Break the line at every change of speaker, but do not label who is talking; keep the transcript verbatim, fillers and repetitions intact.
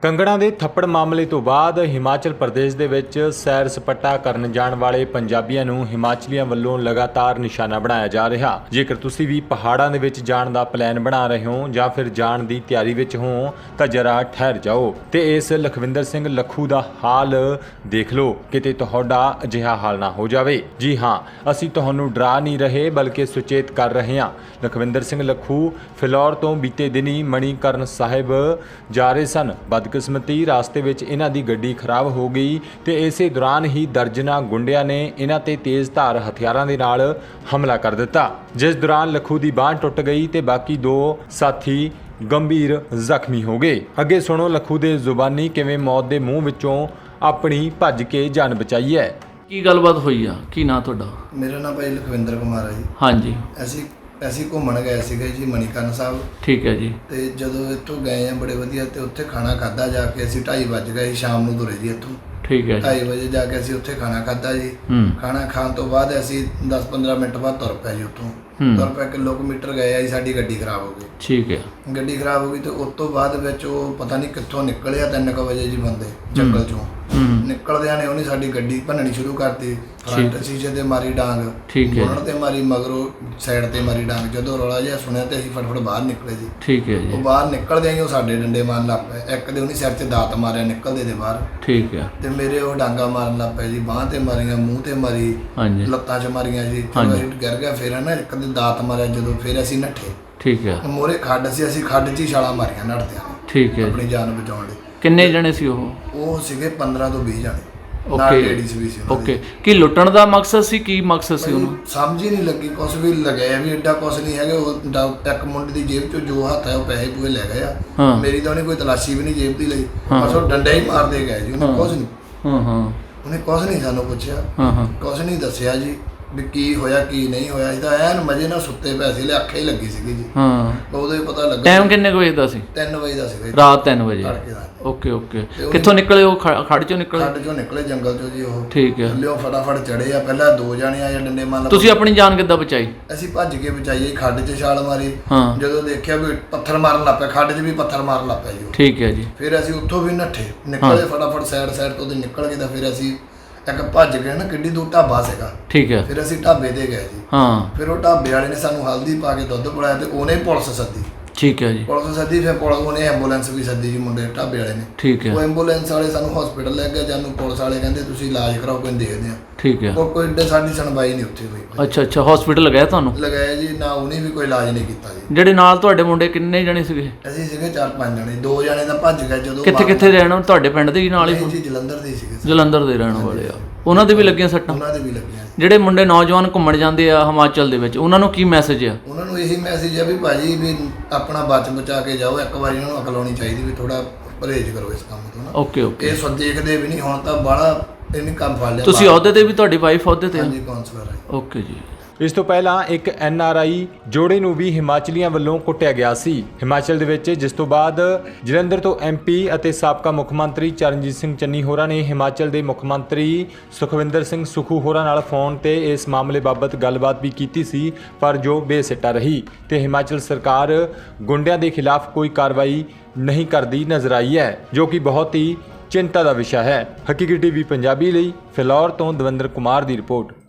ਕੰਗਣਾ ਦੇ ਥੱਪੜ ਮਾਮਲੇ ਤੋਂ ਬਾਅਦ ਹਿਮਾਚਲ ਪ੍ਰਦੇਸ਼ ਦੇ ਵਿੱਚ ਸੈਰ ਸਪਾਟਾ ਕਰਨ ਜਾਣ ਵਾਲੇ ਪੰਜਾਬੀਆਂ ਨੂੰ ਹਿਮਾਚਲੀਆਂ ਵੱਲੋਂ ਲਗਾਤਾਰ ਨਿਸ਼ਾਨਾ ਬਣਾਇਆ ਜਾ ਰਿਹਾ। ਜੇਕਰ ਤੁਸੀਂ ਵੀ ਪਹਾੜਾਂ ਦੇ ਵਿੱਚ ਜਾਣ ਦਾ ਪਲਾਨ ਬਣਾ ਰਹੇ ਹੋ ਜਾਂ ਫਿਰ ਜਾਣ ਦੀ ਤਿਆਰੀ ਵਿੱਚ ਹੋ ਤਾਂ ਜਰਾ ਠਹਿਰ ਜਾਓ ਤੇ ਇਸ ਲਖਵਿੰਦਰ ਸਿੰਘ ਲੱਖੂ ਦਾ ਹਾਲ ਦੇਖ ਲਓ, ਕਿਤੇ ਤੁਹਾਡਾ ਅਜਿਹਾ ਹਾਲ ਨਾ ਹੋ ਜਾਵੇ। ਜੀ ਹਾਂ, ਅਸੀਂ ਤੁਹਾਨੂੰ ਡਰਾ ਨਹੀਂ ਰਹੇ ਬਲਕਿ ਸੁਚੇਤ ਕਰ ਰਹੇ ਹਾਂ। ਲਖਵਿੰਦਰ ਸਿੰਘ ਲੱਖੂ ਫਿਲੌਰ ਤੋਂ ਬੀਤੇ ਦਿਨੀ ਮਣੀਕਰਨ ਸਾਹਿਬ ਜਾ ਰਹੇ ਸਨ। ਬਦਕਿਸਮਤੀ ਰਾਸਤੇ ਵਿੱਚ ਇਹਨਾਂ ਦੀ ਗੱਡੀ ਖਰਾਬ ਹੋ ਗਈ ਤੇ ਇਸੇ ਦੌਰਾਨ ਹੀ ਦਰਜਨਾਂ ਗੁੰਡਿਆਂ ਨੇ ਇਹਨਾਂ ਤੇ ਤੇਜ਼ ਧਾਰ ਹਥਿਆਰਾਂ ਦੇ ਨਾਲ ਹਮਲਾ ਕਰ ਦਿੱਤਾ, ਜਿਸ ਦੌਰਾਨ ਲੱਖੂ ਦੀ ਬਾਂਹ ਟੁੱਟ ਗਈ ਤੇ ਬਾਕੀ ਦੋ ਸਾਥੀ ਗੰਭੀਰ ਜ਼ਖਮੀ ਹੋ ਗਏ। ਅੱਗੇ ਸੁਣੋ ਲੱਖੂ ਦੇ ਜ਼ੁਬਾਨੀ ਕਿਵੇਂ ਮੌਤ ਦੇ ਮੂੰਹ ਵਿੱਚੋਂ ਆਪਣੀ ਭੱਜ ਕੇ ਜਾਨ ਬਚਾਈ ਹੈ।
ਕੀ ਗੱਲਬਾਤ ਹੋਈ ਆ? ਕੀ ਨਾਂ ਤੁਹਾਡਾ?
ਮੇਰਾ ਨਾਮ ਭਾਈ ਲਖਵਿੰਦਰ ਕੁਮਾਰ ਹੈ ਜੀ।
ਹਾਂਜੀ,
ਅਸੀਂ ਅਸੀਂ ਘੁੰਮਣ ਗਏ ਸੀਗੇ ਜੀ ਮਣੀਕਰਨ ਸਾਹਿਬ।
ਠੀਕ ਹੈ ਜੀ।
ਤੇ ਜਦੋਂ ਇੱਥੋਂ ਗਏ ਆ ਬੜੇ ਵਧੀਆ ਤੇ ਉੱਥੇ ਖਾਣਾ ਖਾਦਾ ਜਾ ਕੇ ਅਸੀਂ ਢਾਈ ਵੱਜ ਗਏ, ਸ਼ਾਮ ਨੂੰ ਤੁਰੇ ਜੀ ਇੱਥੋਂ।
ਠੀਕ ਹੈ ਜੀ।
ਢਾਈ ਵਜੇ ਜਾ ਕੇ ਅਸੀਂ ਉੱਥੇ ਖਾਣਾ ਖਾਦਾ ਜੀ।
ਹੂੰ।
ਖਾਣਾ ਖਾਣ ਤੋਂ ਬਾਅਦ ਅਸੀਂ ਦਸ ਪੰਦਰਾਂ ਮਿੰਟ ਬਾਅਦ ਤੁਰ ਪਏ ਜੀ ਉੱਥੋਂ।
ਹੂੰ।
ਤੁਰ ਪਏ ਕਿਲੋਮੀਟਰ ਗਏ ਆ ਜੀ, ਸਾਡੀ ਗੱਡੀ ਖਰਾਬ ਹੋ ਗਈ।
ਠੀਕ ਹੈ।
ਗੱਡੀ ਖਰਾਬ ਹੋ ਗਈ ਤੇ ਉਸ ਤੋਂ ਬਾਅਦ ਵਿੱਚ ਉਹ ਪਤਾ ਨਹੀਂ ਕਿੱਥੋਂ ਨਿਕਲਿਆ ਤਿੰਨ ਕੁ ਵਜੇ ਜੀ ਬੰਦੇ ਜੰਗਲ ਚੋਂ।
ਹੂੰ।
ਨਿਕਲਦਿਆਂ ਨੇ ਉਹਨੇ ਸਾਡੀ ਗੱਡੀ ਭੰਨਣੀ ਸ਼ੁਰੂ ਕਰਤੀ। ਫਰੰਟ ਸ਼ੀਸ਼ੇ ਤੇ ਮਾਰੀ ਡਾਂਗ,
ਠੀਕ ਹੈ।
ਉਹਨਾਂ ਤੇ ਮਾਰੀ, ਮਗਰੋਂ ਸਾਈਡ ਤੇ ਮਾਰੀ ਡਾਂਗ। ਜਦੋਂ ਰੌਲਾ ਜਿਹਾ ਸੁਣਿਆ ਤੇ ਅਸੀਂ ਫਟਫਟ ਬਾਹਰ ਨਿਕਲੇ ਜੀ।
ਠੀਕ ਹੈ
ਉਹ
ਜੀ।
ਬਾਹਰ ਨਿਕਲਦਿਆਂ ਹੀ ਉਹ ਸਾਡੇ ਡੰਡੇ ਮਾਰਨ ਲੱਗ ਪਏ। ਇੱਕ ਦੇ ਉਹਨੇ ਸਿਰ 'ਚ ਦਾਤ ਮਾਰਿਆ ਨਿਕਲਦੇ ਦੇ ਬਾਹਰ,
ਠੀਕ ਹੈ।
ਤੇ ਮੇਰੇ ਉਹ ਡਾਂਗਾ ਮਾਰਨ ਲੱਗ ਪਏ ਜੀ। ਬਾਂਹ ਤੇ ਮਾਰੀਆਂ, ਮੂੰਹ ਤੇ ਮਾਰੀ,
ਹਾਂਜੀ।
ਲੱਤਾਂ 'ਚ ਮਾਰੀਆਂ ਜੀ।
ਹਾਂਜੀ।
ਅਸੀਂ ਗਿਰ ਗਿਆ। ਫਿਰ ਨਾ ਇੱਕ ਦੇ ਦਾਤ ਮਾਰਿਆ ਜਦੋਂ, ਫਿਰ ਅਸੀਂ ਨੱਠੇ।
ਠੀਕ ਹੈ।
ਮੋਰੇ ਖੱਡ ਸੀ, ਅਸੀਂ ਖੱਡ 'ਚ ਹੀ ਛਾਲਾਂ ਮਾਰੀਆਂ ਨੱਠਦਿਆਂ ਨੇ
ਠੀਕ ਹੈ
ਆਪਣੀ
ਜੀ।
ਜਾਨ ਬਚਾਉਣ ਲਈ।
ਕਿੰਨੇ ਜਣੇ ਸੀ ਉਹ?
ਉਹ ਸੀਗੇ ਪੰਦਰਾਂ ਤੋਂ ਵੀਹ ਜਾਣੇ, ਨਾਲ
ਓਕੇ
ਲੇਡੀਜ਼ ਵੀ ਸੀ ਉਹਨਾਂ
ਓਕੇ।
ਦੀ।
ਕੀ ਲੁੱਟਣ ਦਾ ਮਕਸਦ ਸੀ? ਕੀ ਮਕਸਦ ਸੀ ਉਹਨੂੰ?
ਸਮਝ ਹੀ ਨਹੀਂ ਲੱਗੀ, ਕੁਛ ਵੀ ਲਗਾਇਆ ਵੀ ਐਡਾ ਕੁਛ ਨਹੀਂ ਹੈਗਾ। ਉਹ ਡਾ- ਇੱਕ ਮੁੰਡੇ ਦੀ ਜੇਬ ਚੋਂ ਜੋ ਹੱਥ ਹੈ ਉਹ ਪੈਸੇ ਪੂਏ ਲੈ ਗਏ ਆ।
ਹਾਂ।
ਮੇਰੀ ਤਾਂ ਉਹਨੇ ਕੋਈ ਤਲਾਸ਼ੀ ਵੀ ਨਹੀਂ ਜੇਬ ਦੀ ਲਈ,
ਹਾਂ।
ਬਸ ਉਹ ਡੰਡੇ ਹੀ ਮਾਰਦੇ ਗਏ ਜੀ। ਉਹਨੇ
ਹਾਂ।
ਕੁਛ ਨਹੀਂ
ਹਾਂ ਹਾਂ
ਉਹਨੇ ਕੁਛ ਨਹੀਂ ਸਾਨੂੰ ਪੁੱਛਿਆ,
ਹਾਂ ਹਾਂ
ਕੁਛ ਨਹੀਂ ਦੱਸਿਆ ਜੀ ਵੀ ਕੀ ਹੋਇਆ ਕੀ ਨਹੀਂ ਹੋਇਆ। ਇਹ ਤਾਂ ਐਨ ਮਜੇ ਨਾਲ ਸੁੱਤੇ ਪਏ ਸੀ, ਅੱਖ ਹੀ ਲੱਗੀ ਸੀਗੀ ਜੀ।
ਹਾਂ।
ਉਦੋਂ ਹੀ ਪਤਾ ਲੱਗਾ।
ਟਾਈਮ ਕਿੰਨੇ ਕੁ ਵਜੇ ਦਾ ਸੀ?
ਤਿੰਨ ਵਜੇ ਦਾ ਸੀਗਾ ਜੀ,
ਰਾਤ ਤਿੰਨ ਵਜੇ।
ਤੜਕੇ ਦਾ।
Okay okay.
ਤੇ ਉਹ-
ਕਿੱਥੋਂ ਨਿਕਲੇ ਉਹ? ਖ- ਖੜ ਚੋਂ ਨਿਕਲੇ?
ਖੱਡ ਚੋਂ ਨਿਕਲੇ ਜੰਗਲ ਚੋਂ ਜੀ ਉਹ।
ਠੀਕ ਹੈ।
ਥੱਲਿਓ ਫਟਾਫਟ ਚੜੇ ਆ। ਪਹਿਲਾਂ ਦੋ ਜਾਣੇ ਆਏ ਡੰਡੇ ਮਾਰਨ।
ਤੁਸੀਂ ਆਪਣੀ ਜਾਨ ਕਿੱਦਾਂ ਬਚਾਈ?
ਅਸੀਂ ਭੱਜ ਕੇ ਬਚਾਈਏ, ਖੱਡ 'ਚ ਛਾਲ ਮਾਰੀ।
ਹਾਂ।
ਜਦੋਂ ਦੇਖਿਆ ਵੀ ਪੱਥਰ ਮਾਰਨ ਲੱਗ ਪਿਆ, ਖੱਡ 'ਚ ਵੀ ਪੱਥਰ ਮਾਰਨ ਲੱਗ ਪਿਆ ਜੀ ਉਹ।
ਠੀਕ ਹੈ ਜੀ।
ਫਿਰ ਅਸੀਂ ਉੱਥੋਂ ਵੀ ਨੱਠੇ, ਨਿਕਲੇ ਫਟਾਫਟ ਸਾਈਡ ਸਾਈਡ ਤੋਂ ਤੇ ਨਿਕਲ ਗਏ। ਤਾਂ ਫਿਰ ਅਸੀਂ ਇੱਕ ਭੱਜ ਗਏ ਨਾ, ਕਿੱਡੀ ਦੂਰ ਢਾਬਾ ਸੀਗਾ।
ਠੀਕ ਹੈ।
ਫਿਰ ਅਸੀਂ ਢਾਬੇ ਤੇ ਗਏ ਜੀ।
ਹਾਂ।
ਫਿਰ ਉਹ ਢਾਬੇ ਵਾਲੇ ਨੇ ਸਾਨੂੰ ਹਲਦੀ ਪਾ ਕੇ ਦੁੱਧ ਪਿਲਾਇਆ ਤੇ ਉਹਨੇ ਪੁਲਿਸ ਸੱਦੀ।
ਠੀਕ ਹੈ ਜੀ।
ਪੁਲਿਸ ਸੱਦੀ, ਫਿਰ ਪੁਲਿਸ ਉਹਨੇ ਐਂਬੂਲੈਂਸ ਵੀ ਸੱਦੀ ਜੀ, ਮੁੰਡੇ ਢਾਬੇ ਵਾਲੇ ਨੇ।
ਠੀਕ ਹੈ।
ਉਹ ਐਂਬੂਲੈਂਸ ਵਾਲੇ ਸਾਨੂੰ ਹਸਪੀਟਲ ਲੈ ਗਏ। ਜਾਨੂੰ ਪੁਲਿਸ ਵਾਲੇ ਕਹਿੰਦੇ ਤੁਸੀਂ ਇਲਾਜ ਕਰਾਓ, ਕੋਈ ਦੇਖਦੇ ਆ।
ਠੀਕ ਹੈ।
ਉਹ ਕੋਈ ਏਡੇ ਸਾਡੀ ਸੁਣਵਾਈ ਨਹੀਂ ਉੱਥੇ ਹੋਈ।
ਅੱਛਾ ਅੱਛਾ। ਹਸਪੀਟਲ ਲਗਾਇਆ ਤੁਹਾਨੂੰ?
ਲਗਾਇਆ ਜੀ ਨਾ, ਉਹਨੇ ਵੀ ਕੋਈ ਇਲਾਜ ਨਹੀਂ ਕੀਤਾ ਜੀ।
ਜਿਹੜੇ ਨਾਲ ਤੁਹਾਡੇ ਮੁੰਡੇ ਕਿੰਨੇ ਜਣੇ ਸੀਗੇ?
ਅਸੀਂ ਸੀਗੇ ਚਾਰ ਪੰਜ ਜਣੇ, ਦੋ ਜਣੇ ਤਾਂ ਭੱਜ ਗਏ ਜਦੋਂ।
ਕਿੱਥੇ ਕਿੱਥੇ ਰਹਿਣ? ਤੁਹਾਡੇ ਪਿੰਡ ਦੇ ਹੀ ਨਾਲ ਹੀ?
ਨਹੀਂ ਜੀ, ਜਲੰਧਰ ਦੇ ਸੀਗੇ।
ਜਲੰਧਰ ਦੇ ਰਹਿਣ ਵਾਲੇ ਆ। ਉਹਨਾਂ ਦੇ ਵੀ ਲੱਗੀਆਂ ਸੱਟਾਂ?
ਉਹਨਾਂ ਦੇ ਵੀ ਲੱਗੀਆਂ।
ਜਿਹੜੇ ਮੁੰਡੇ ਨੌਜਵਾਨ ਘੁੰਮਣ ਜਾਂਦੇ ਆ ਹਿਮਾਚਲ ਦੇ ਵਿੱਚ, ਉਹਨਾਂ ਨੂੰ ਕੀ ਮੈਸੇਜ ਆ?
ਉਹਨਾਂ ਨੂੰ ਇਹੀ ਮੈਸੇਜ ਹੈ ਵੀ ਭਾਜੀ ਵੀ ਆਪਣਾ ਬਚ ਬਚਾ ਕੇ ਜਾਓ। ਇੱਕ ਵਾਰੀ ਉਹਨਾਂ ਨੂੰ ਅਕਲ ਆਉਣੀ ਚਾਹੀਦੀ ਵੀ ਥੋੜਾ ਪਰਹੇਜ਼ ਕਰੋ ਇਸ ਕੰਮ ਤੋਂ ਨਾ।
Okay okay.
ਇਹ ਸੋ ਦੇਖਦੇ ਵੀ ਨਹੀਂ ਹੁਣ ਤਾਂ ਬਾਹਲਾ ਇਹਨੇ ਕੰਮ ਫੜ ਲਿਆ।
ਤੁਸੀਂ ਅਹੁਦੇ ਤੇ ਵੀ? ਤੁਹਾਡੀ ਵਾਈਫ ਅਹੁਦੇ ਤੇ ਆ?
ਹਾਂਜੀ, ਕਾਉਂਸਲਰ ਹੈ।
ਓਕੇ ਜੀ।
ਇਸ ਤੋਂ ਪਹਿਲਾਂ ਇੱਕ ਐਨ ਆਰ ਆਈ ਜੋੜੇ ਨੂੰ ਵੀ ਹਿਮਾਚਲੀਆਂ ਵੱਲੋਂ ਕੁੱਟਿਆ ਗਿਆ ਸੀ ਹਿਮਾਚਲ ਦੇ ਵਿੱਚ, ਜਿਸ ਤੋਂ ਬਾਅਦ ਜਲੰਧਰ ਤੋਂ ਐਮ ਪੀ ਅਤੇ ਸਾਬਕਾ ਮੁੱਖ ਮੰਤਰੀ ਚਰਨਜੀਤ ਸਿੰਘ ਚੰਨੀ ਹੋਰਾਂ ਨੇ ਹਿਮਾਚਲ ਦੇ ਮੁੱਖ ਮੰਤਰੀ ਸੁਖਵਿੰਦਰ ਸਿੰਘ ਸੁਖੂ ਹੋਰਾਂ ਨਾਲ ਫੋਨ ਤੇ ਇਸ ਮਾਮਲੇ ਬਾਬਤ ਗੱਲਬਾਤ ਵੀ ਕੀਤੀ ਸੀ, ਪਰ ਜੋ ਬੇਸਿੱਟਾ ਰਹੀ ਤੇ ਹਿਮਾਚਲ ਸਰਕਾਰ ਗੁੰਡਿਆਂ ਦੇ ਖਿਲਾਫ ਕੋਈ ਕਾਰਵਾਈ ਨਹੀਂ ਕਰਦੀ ਨਜ਼ਰ ਆਈ ਹੈ, ਜੋ ਕਿ ਬਹੁਤ ਹੀ ਚਿੰਤਾ ਦਾ ਵਿਸ਼ਾ ਹੈ। ਹਕੀਕੀ ਟੀਵੀ ਪੰਜਾਬੀ ਲਈ ਫਿਲੌਰ ਤੋਂ ਦਵਿੰਦਰ ਕੁਮਾਰ ਦੀ ਰਿਪੋਰਟ।